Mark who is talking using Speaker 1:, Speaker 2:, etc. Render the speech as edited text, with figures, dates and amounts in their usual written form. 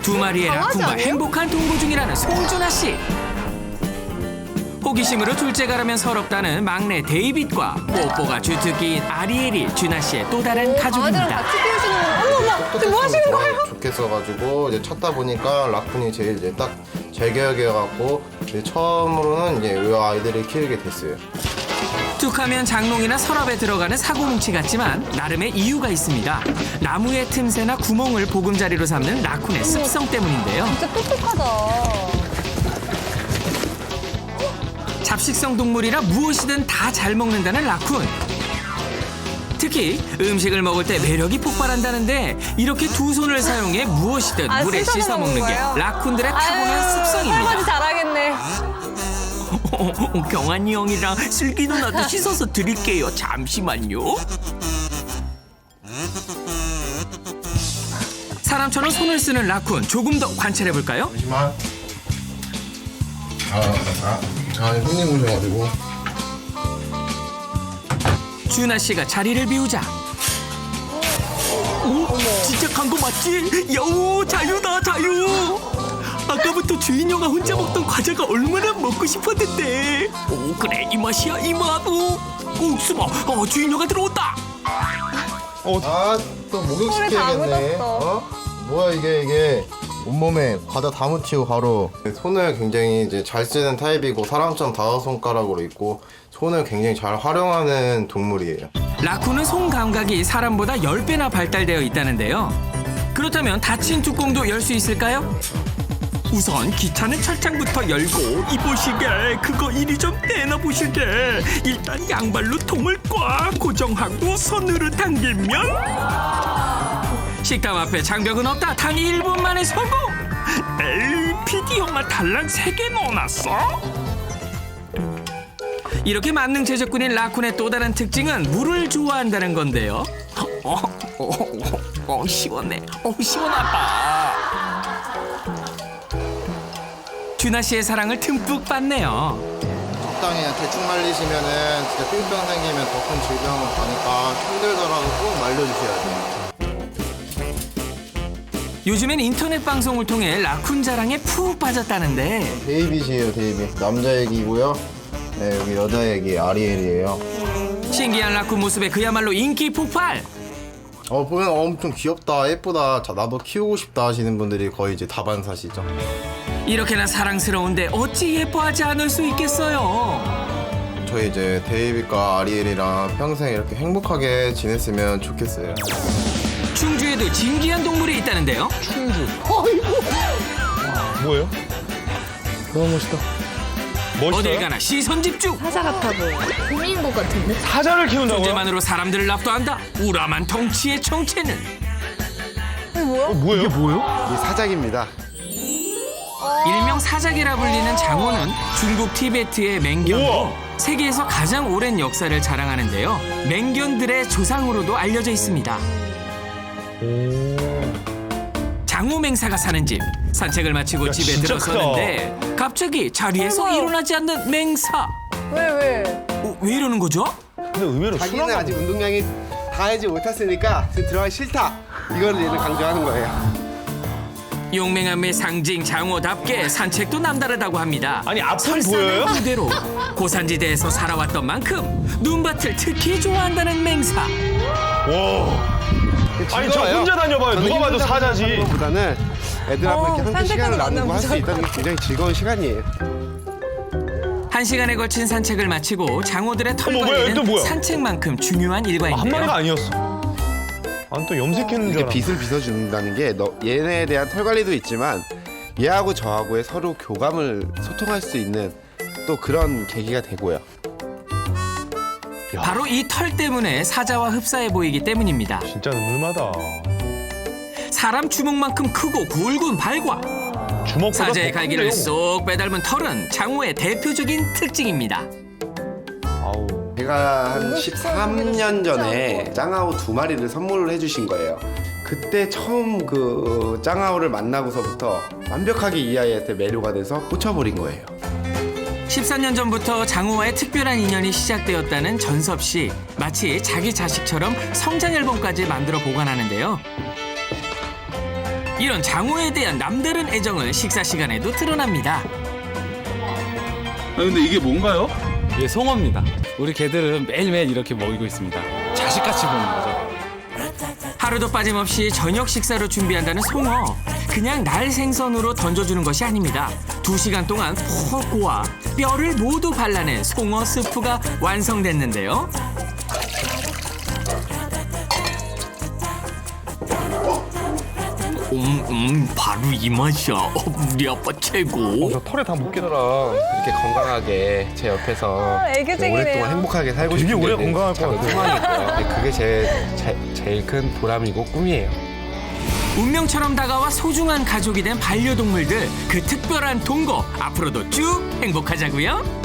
Speaker 1: 두 마리의
Speaker 2: 강아지
Speaker 1: 라쿤과
Speaker 2: 아니에요?
Speaker 1: 행복한 동거 중이라는 송준아 씨. 호기심으로 둘째가라면 서럽다는 막내 데이빗과 뽀뽀가 주특기인 아리엘이 준아 씨의 또 다른
Speaker 2: 강아지랑
Speaker 1: 가족입니다.
Speaker 2: 같이 키우시는 거예요? 어머, 지금 뭐 하시는 거예요?
Speaker 3: 좋겠어가지고 이제 찾다 보니까 라쿤이 제일 이제 딱 제격이어갖고 이제 처음으로는 이제 이 아이들을 키우게 됐어요.
Speaker 1: 툭하면 장롱이나 서랍에 들어가는 사고뭉치 같지만 나름의 이유가 있습니다. 나무의 틈새나 구멍을 보금자리로 삼는 라쿤의 습성 때문인데요.
Speaker 2: 진짜 똑똑하다.
Speaker 1: 잡식성 동물이라 무엇이든 다 잘 먹는다는 라쿤. 특히 음식을 먹을 때 매력이 폭발한다는데 이렇게 두 손을 사용해 무엇이든 물에 씻어 먹는 게
Speaker 2: 거예요?
Speaker 1: 라쿤들의 타고난
Speaker 2: 설거지
Speaker 1: 습성입니다.
Speaker 2: 잘하겠네.
Speaker 1: 경환이 형이랑 슬기 누나도 씻어서 드릴게요. 잠시만요. 사람처럼 손을 쓰는 라쿤 조금 더 관찰해 볼까요?
Speaker 3: 잠시만. 손님 오셔가지고.
Speaker 1: 준아 씨가 자리를 비우자. 오, 진짜 간 거 맞지? 여우 자유다 자유. 아까부터 주인형아 혼자 먹던 과자가 얼마나 먹고 싶었는데. 오 그래 이 맛이야 이 맛. 오 숨어. 주인형아 들어온다.
Speaker 3: 또
Speaker 2: 손에 다
Speaker 3: 목욕시켜야겠네.
Speaker 2: 묻었어.
Speaker 3: 뭐야 이게 온몸에 과자 다 묻히고 바로 손을 굉장히 이제 잘 쓰는 타입이고 사람처럼 다섯 손가락으로 있고 손을 굉장히 잘 활용하는 동물이에요.
Speaker 1: 라쿤은 손 감각이 사람보다 10배나 발달되어 있다는데요. 그렇다면 닫힌 뚜껑도 열 수 있을까요? 우선 귀찮은 철창부터 열고 이보시게 그거 이리 좀 떼놔보시게. 일단 양발로 통을 꽉 고정하고 손으로 당기면 식당 앞에 장벽은 없다. 단 1분 만에 성공. 에이 PD 형아 달랑 3개 넣어놨어? 이렇게 만능 제작꾼인 라쿤의 또 다른 특징은 물을 좋아한다는 건데요. 시원해. 시원하다. 준아 씨의 사랑을 듬뿍 받네요.
Speaker 3: 적당히 그냥 대충 말리시면은 진짜 뿅뿅 생기면 더 큰 질병을 가니까 힘들더라도 꼭 말려주셔야 돼요.
Speaker 1: 요즘엔 인터넷 방송을 통해 라쿤 자랑에 푹 빠졌다는데
Speaker 3: 데이빗이에요, 데이빗. 남자 얘기고요. 네, 여기 여자 얘기 아리엘이에요.
Speaker 1: 신기한 라쿤 모습에 그야말로 인기 폭발.
Speaker 3: 보면 엄청 귀엽다, 예쁘다, 자, 나도 키우고 싶다 하시는 분들이 거의 이제 다반사시죠.
Speaker 1: 이렇게나 사랑스러운데 어찌 예뻐하지 않을 수 있겠어요.
Speaker 3: 저희 이제 데이빗과 아리엘이랑 평생 이렇게 행복하게 지냈으면 좋겠어요.
Speaker 1: 충주에도 진귀한 동물이 있다는데요.
Speaker 4: 뭐예요? 너무 멋있다. 멋있어요?
Speaker 1: 어딜 가나 시선 집중.
Speaker 2: 사자 같아 보여. 곰인 것 같은데?
Speaker 4: 사자를 키운다고요?
Speaker 1: 존재만으로 사람들을 압도한다. 우람한 덩치의 정체는
Speaker 4: 뭐예요? 이게 뭐예요?
Speaker 3: 이 사작입니다.
Speaker 1: 일명 사자기라 불리는 장어는 중국 티베트의 맹견으로
Speaker 4: 우와.
Speaker 1: 세계에서 가장 오랜 역사를 자랑하는데요. 맹견들의 조상으로도 알려져 있습니다. 장어 맹사가 사는 집. 산책을 마치고
Speaker 4: 야,
Speaker 1: 집에
Speaker 4: 진짜
Speaker 1: 들어서는데 갑자기 자리에서
Speaker 2: 설마요.
Speaker 1: 일어나지 않는 맹사.
Speaker 2: 왜?
Speaker 1: 왜 이러는 거죠?
Speaker 4: 근데 의외로
Speaker 5: 자기는
Speaker 4: 순하다.
Speaker 5: 아직 운동량이 다 하지 못했으니까 지금 들어가기 싫다. 이거를 얘는 강조하는 거예요.
Speaker 1: 용맹함의 상징 장어답게 산책도 남다르다고 합니다.
Speaker 4: 아니, 앞은
Speaker 1: 설산의
Speaker 4: 보여요?
Speaker 1: 그대로 고산지대에서 살아왔던 만큼 눈밭을 특히 좋아한다는 맹사.
Speaker 4: 와. 아니, 저
Speaker 5: 즐거워요.
Speaker 4: 혼자 다녀봐요.
Speaker 5: 저는
Speaker 4: 누가 봐도
Speaker 5: 혼자
Speaker 4: 사자지.
Speaker 5: 다니는 것보다는 애들하고 이렇게 함께
Speaker 2: 산책하는
Speaker 5: 시간을
Speaker 2: 거
Speaker 5: 나누고 할 수
Speaker 2: 만나면
Speaker 5: 있다는 게 굉장히 즐거운 시간이에요.
Speaker 1: 1시간에 걸친 산책을 마치고 장어들의 털
Speaker 4: 어머, 뭐야, 얘 또
Speaker 1: 관리는
Speaker 4: 뭐야?
Speaker 1: 산책만큼 중요한
Speaker 4: 한 마리가
Speaker 1: 일과인데요.
Speaker 4: 아니었어. 아니, 또 염색했는 줄
Speaker 5: 이렇게
Speaker 4: 알아.
Speaker 5: 빛을 빗어준다는 게 얘네에 대한 털 관리도 있지만 얘하고 저하고의 서로 교감을 소통할 수 있는 또 그런 계기가 되고요.
Speaker 1: 바로 이 털 때문에 사자와 흡사해 보이기 때문입니다.
Speaker 4: 진짜 늠름하다.
Speaker 1: 사람 주먹만큼 크고 굵은 발과
Speaker 4: 주먹보다
Speaker 1: 사자의
Speaker 4: 더
Speaker 1: 갈기를
Speaker 4: 큰데요.
Speaker 1: 쏙 빼닮은 털은 장어의 대표적인 특징입니다.
Speaker 4: 아우.
Speaker 5: 제가 한 13년 전에 짱아오 2마리를 선물을 해주신 거예요. 그때 처음 그 짱아오를 만나고서부터 완벽하게 이 아이한테 매료가 돼서 꽂혀버린 거예요.
Speaker 1: 14년 전부터 장어와의 특별한 인연이 시작되었다는 전섭 씨. 마치 자기 자식처럼 성장 앨범까지 만들어 보관하는데요. 이런 장어에 대한 남다른 애정은 식사 시간에도 드러납니다.
Speaker 6: 근데 이게 뭔가요?
Speaker 7: 이게 송어입니다. 우리 개들은 매일매일 이렇게 먹이고 있습니다. 자식같이 보는 거죠.
Speaker 1: 하루도 빠짐없이 저녁 식사로 준비한다는 송어. 그냥 날 생선으로 던져주는 것이 아닙니다. 2시간 동안 푹 고아 뼈를 모두 발라낸 송어 스프가 완성됐는데요. 바로 이 맛이야. 우리 아빠 최고.
Speaker 4: 저 털에 다 묻겠다.
Speaker 5: 이렇게 건강하게 제 옆에서
Speaker 2: 애교쟁이네요.
Speaker 5: 오랫동안 행복하게 살고
Speaker 4: 되게
Speaker 5: 싶은
Speaker 4: 오래
Speaker 5: 게
Speaker 4: 건강할 것
Speaker 5: 작은
Speaker 4: 같아요.
Speaker 5: 소망이고요. 그게 제일 큰 보람이고 꿈이에요.
Speaker 1: 운명처럼 다가와 소중한 가족이 된 반려동물들, 그 특별한 동거 앞으로도 쭉 행복하자고요.